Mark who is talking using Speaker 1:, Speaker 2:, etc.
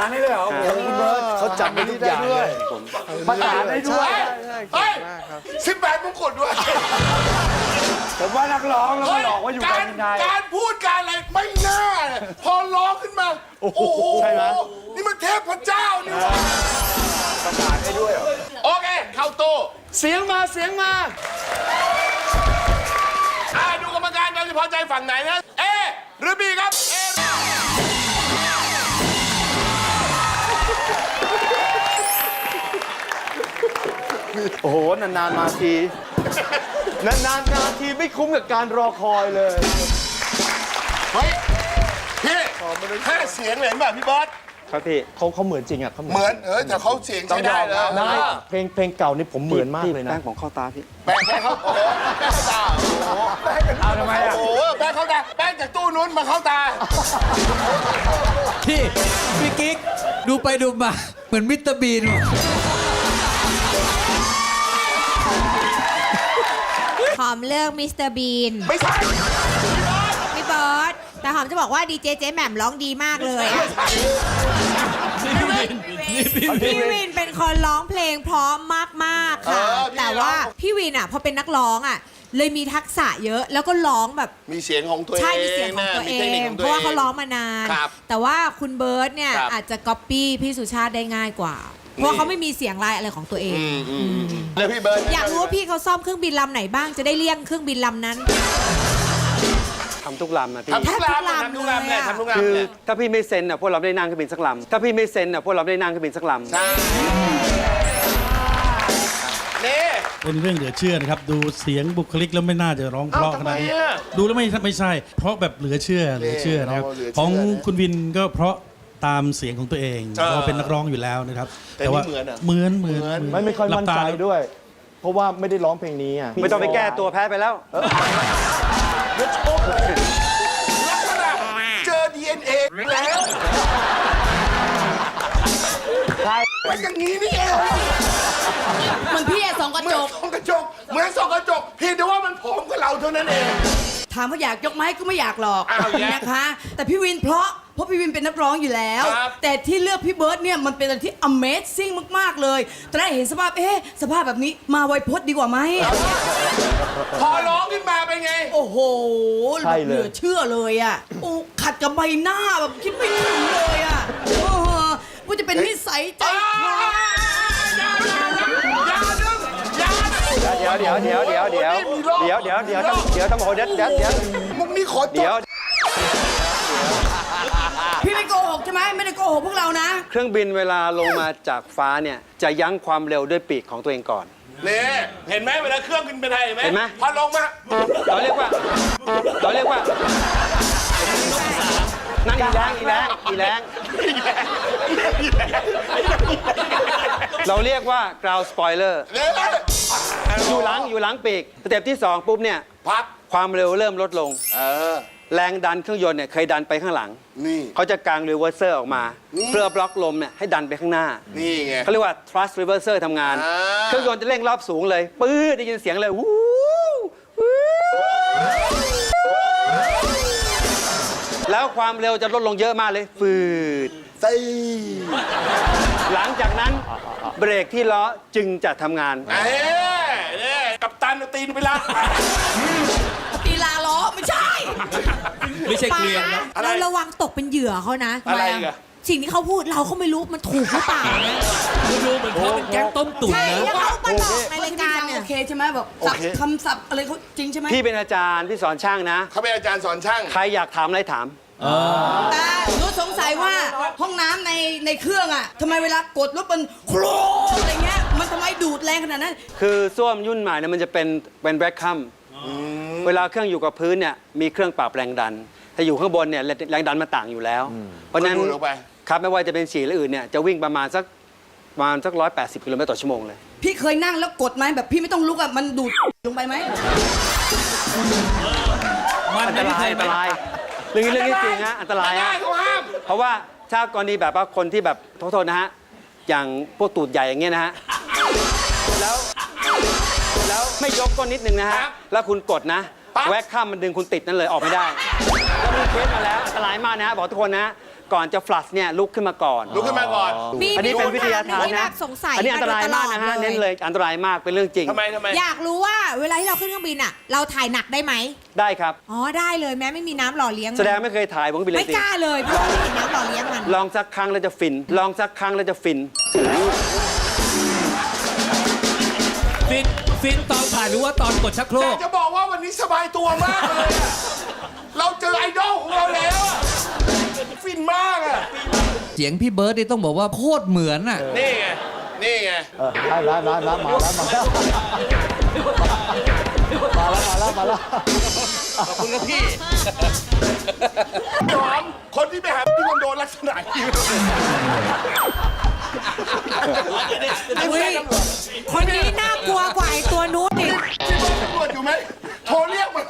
Speaker 1: านได้เลยเหรอคุณเบิร์ต
Speaker 2: เขาจับไม่ได้ด้วย
Speaker 1: ประสานได้ด้วย
Speaker 2: เฮ้ย18 มงกุฎด้วย
Speaker 1: ผมว่านักร้องแล้วมาหลอกว่าอยู่การบินไทย
Speaker 2: การพูดการอะไรไม่น่าพอร้องขึ้นมาโอ้โหใช่ไหมนี่มันเทพเจ้านี่หว่า
Speaker 1: ประสานได้ด้วยเหรอ
Speaker 2: โอเคเข้าตู้
Speaker 1: เสียงมาเสียงมา
Speaker 2: ดูกรรมการเราจะพอใจฝั่งไหนนะเอหรือบีครับเอ
Speaker 3: โอ้โห นานๆมาที นานๆมาทีไม่คุ้มกับการรอคอยเลย
Speaker 2: เฮ้ยพี่แค่เสียงเห็นป่ะพี่บอส
Speaker 3: ครับพี่เขาเหมือนจริงอ่ะเขา
Speaker 2: เหมือนแต่เขาเสียงใช้ได้แล้ว
Speaker 3: ได้เพลงเก่านี่ผมเหมือนมากเลยนะแป้งของข้าวตาพี่
Speaker 2: แป้งเขาโอ้โหแป้งเข้าตาโอ้โหแป้ง
Speaker 1: เอาทำไมอ่ะ
Speaker 2: โอ้โหแป้งเข้าตาแป้งจากตู้นู้นมาเข้าตา
Speaker 4: พี่กิ๊กดูไปดูมาเหมือนมิสเตอร์บีน
Speaker 5: หอมเลือกมิสเตอร์บีน
Speaker 2: ไม่ใช่
Speaker 5: พี่เบิร์ตแต่หอมจะบอกว่าดีเจเจ๊แหม่มร้องดีมากเลยอะพี่วินเป็นคนร้องเพลงเพราะมากๆค่ะแต่ว่าพี่วินอ่ะพอเป็นนักร้องอ่ะเลยมีทักษะเยอะแล้วก็ร้องแบบ
Speaker 2: มีเสียงของตัวเอง
Speaker 5: ใช่มีเสียงของตัวเอ
Speaker 2: มีทคนิค
Speaker 5: ง
Speaker 2: ข
Speaker 5: เพราะว่าเขาร้องมานาน
Speaker 2: ครับ
Speaker 5: แต่ว่าคุณเบิร์ตเนี่ย
Speaker 2: ครับ
Speaker 5: อาจจะก๊อปปี้พี่สุชาติได้ง่ายกว่า เพราะว่าเขาไม่มีเสียงลายอะไรของตัวเอง
Speaker 2: แล้วพี่เบิร์ด
Speaker 5: อยากรู้ว่าพี่เขาซ่อมเครื่องบินลำไหนบ้างจะได้เลี่ยงเครื่องบินลำนั้น
Speaker 3: ทำทุกลำนะพี่
Speaker 2: ทำทุกลำทำทุกลำเลยทำทุกลำ
Speaker 3: คือ
Speaker 2: เลย
Speaker 3: ถ้าพี่ไม่เซ็นอ่ะพวกเราไม่ได้นั่งเครื่องบินสักลำถ้าพี่ไม่เซ็นอ่ะพวกเราไม่ได้นั่งเครื่องบินสักลำ
Speaker 2: ใช่นี่
Speaker 6: เป็นเรื่องเหลือเชื่อนะครับ ดูเสียงบุคลิกแล้วไม่น่าจะร้องเพราะขนาดนี้
Speaker 2: ทำไมอะ
Speaker 6: ดูแล้วไม่ใช่ เพราะแบบเหลือเชื่อนะครับ
Speaker 2: เหลือเชื่อ
Speaker 6: ของคุณวินก็เพราะตามเสียงของตัวเองเพราะเป็นนักร้องอยู่แล้วนะครับ
Speaker 2: แต่นี่เหมือนอะ
Speaker 6: เหมือน
Speaker 3: ไม่ค่อยมั่นใจด้วย เพราะว่าไม่ได้ร้องเพลงนี้อ่ะไม่ต้องไปแก้ตัวแพ้ไปแล้ว
Speaker 2: ลักษณะเจอ DNA แล้วเป็นอย่างนี้นี่เอง
Speaker 7: มันพี่อะส่องกระ
Speaker 2: เหมื
Speaker 7: จ
Speaker 2: อน
Speaker 7: ก
Speaker 2: ส่องกระจกเหมือนส่องกระจกเพียงแต่ว่ามันผอมกว่าเราเท่านั้นเอง
Speaker 7: ถามว่าอยากยกไหมก็ไม่อยากหรอก
Speaker 2: อ้าวแย่
Speaker 7: นะคะ แต่พี่วินเพราะพี่วินเป็นนักร้องอยู่แล้ว
Speaker 2: ครับ
Speaker 7: แต่ที่เลือกพี่เบิร์ดเนี่ยมันเป็นอะไรที่ Amazing มากๆเลยตอนแรกเห็นสภาพสภาพแบบนี้มาไวพจน์ดีกว่าไหม
Speaker 2: พอร้องขึ้นมาเป็นไง
Speaker 7: โอ้โห
Speaker 3: ใช่เลย
Speaker 7: เหลือเชื่อเลยอ่ะโอ้ขัดกับใบหน้าแบบคิดไม่ถึงเลยอ่ะว่าจะเป็นนิสัยใจคอ
Speaker 3: เดี๋ยวต้องบอกเดี๋ยว
Speaker 2: มุกนี้ขอจ
Speaker 3: เดี๋ยว
Speaker 2: บ
Speaker 7: พี่ไม่โกหกใช่ไหมไม่ได้โกหกพวกเรานะ
Speaker 3: เครื่องบินเวลาลงมาจากฟ้าเนี่ยจะยั้งความเร็วด้วยปีกของตัวเองก่อน
Speaker 2: นี่เห็นไหมเวลาเครื่องขึ้นเป็นไงเห็นไหม
Speaker 3: เห็นไหม
Speaker 2: พอลงมา
Speaker 3: เราเรียกว่านั่งอีแรงเราเรียกว่า ground spoiler
Speaker 2: เนี่ย
Speaker 3: อยู่หลังปีกสเต็ปที่ 2 ปุ๊บเนี่ย
Speaker 2: พับ
Speaker 3: ความเร็วเริ่มลดลง
Speaker 2: อ
Speaker 3: แรงดันเครื่องยนต์เนี่ยเคยดันไปข้างหลัง
Speaker 2: นี่
Speaker 3: เขาจะกางรีเวอร์เซอร์ออกมา
Speaker 2: นี่
Speaker 3: เพื่อบล็อกลมเนี่ยให้ดันไปข้างหน้า
Speaker 2: นี่ไง
Speaker 3: เขาเรียกว่า thrust reverser ทำงาน
Speaker 2: อ่า
Speaker 3: เครื่องยนต์จะเร่งรอบสูงเลยปื้ดได้ยินเสียงเลยวู้วู้แล้วความเร็วจะลดลงเยอะมากเลยฟืด
Speaker 2: ใส่
Speaker 3: หลังจากนั้นเบรกที่ล้อจึงจะทำงาน
Speaker 2: เนี่ยกับตันเอาตีนไปละ
Speaker 7: ตีลาล้อไม่ใช่
Speaker 4: ไม่ใช่เกลียนนะ
Speaker 2: อะไร
Speaker 5: เราระวังตกเป็นเหยื่อเขานะ
Speaker 2: อะไรอีกอะ
Speaker 5: สิ่งที่เขาพูดเราก็ไม่รู้มันถูกหรือเปล่านะ
Speaker 4: ดูเหมือนเขาเป็นแก๊งต้มตุ๋น
Speaker 5: ใช่
Speaker 4: นะ
Speaker 5: แล้วเขามาหลอกในรายการเนี่ย
Speaker 7: โอเคใช่ไหมแบบศัพท์คำศัพท์อะไรเขาจริงใช่ไหม
Speaker 3: พี่เป็นอาจารย์พี่สอนช่างนะ
Speaker 2: เขาเป็นอาจารย์สอนช่าง
Speaker 3: ใครอยากถามอะไรถาม
Speaker 7: แต่หนูสงสัยว่าห้องน้ำในเครื่องอ่ะทำไมเวลากดแล้วมันโครมอะไรเงี้ยมันทำไมดูดแรงขนาดนั้น
Speaker 3: คือส้วมยุ่นใหม่เนี่ยมันจะเป็นแบล็คคัมเวลาเครื่องอยู่กับพื้นเนี่ยมีเครื่องปรับแรงดัน ถ้าอยู่ข้างบนเนี่ยแรงดันมันต่างอยู่แล้ว เพราะฉะนั้น
Speaker 2: ก็ดูดออกไป
Speaker 3: ครับไม่ว่าจะเป็นฉี่หรืออื่นเนี่ยจะวิ่งประมาณสัก180 กิโลเมตรต่อชั่วโมงเลย
Speaker 7: พี่เคยนั่งแล้วกดไหมแบบพี่ไม่ต้องลุกอ่ะมันดูดลงไปไหม
Speaker 3: อันตรายเรื่องนี้จริงฮะอันตราย
Speaker 2: ได้
Speaker 3: ฮะ
Speaker 2: เขาห้าม
Speaker 3: เพราะว่าถ้ากรณีแบบว่าคนที่แบบโทษนะฮะอย่างพวกตูดใหญ่อย่างเงี้ยนะฮะแล้วไม่ยกก้นนิดนึงนะฮะแล้วคุณกดนะแวกข้ามมันดึงคุณติดนั่นเลยออกไม่ได้แล้วมีเคสมาแล้วอันตรายมากนะฮะบอกทุกคนนะก่อนจะฟลัชเนี่ยลุกขึ้นมาก่อน
Speaker 2: ลุกขึ้นมาก่อน
Speaker 3: อันนี้เป็นวิทยาทาน
Speaker 5: มีคำถมหงที่แบ
Speaker 3: นะ
Speaker 5: บสงสัย
Speaker 3: อันนี้อันตรายมากนะฮะ
Speaker 5: โดยตลอด
Speaker 3: เน้นเลยอันตรายมากเป็นเรื่องจริง
Speaker 2: ทำไม
Speaker 5: อยากรู้ว่าเวลาที่เราขึ้นเครื่องบินอ่ะ เราถ่ายหนักได้ไหม
Speaker 3: ได้ครับ
Speaker 5: อ๋อได้เลยแม้ไม่มีน้ำหล่อเลี้ยงมัน
Speaker 3: แสดงไม่เคยถ่ายผมก็ไปเลย
Speaker 5: ไม่
Speaker 3: สิ
Speaker 5: กล้าเลยเพราะว่าไม่มีน้ำหล่อเลี้ยงมัน
Speaker 3: ลองสักครั้งแล้วจะฟิน ลองสักครั้งแล้วจะฟิน
Speaker 4: ฟินตอนถ่ายหรือว่าตอนกดชักโคร
Speaker 2: แต่
Speaker 4: ก
Speaker 2: จะบอกว่าวันนี้สบายตัวมากเลยอะเราเจอไอดอลของเราแล้วอะฟินมากอะ
Speaker 4: เสียงพี่เบิร์ดนี่ต้องบอกว่าโคตรเหมือนอ่ะ
Speaker 2: นี่ไง นี่ไง
Speaker 1: ได้มาแล้วมาแล้ว
Speaker 4: ขอบคุณครับพี่
Speaker 2: พี่หอม คนที่ไปหาพี่คอนโดลักษณะนี้
Speaker 5: อุ๊ยคนนี้น่ากลัวกว่าไอ้ตัวนู้นอีก
Speaker 2: ที่ตำรวจอยู่ไหม โทรเรียกมา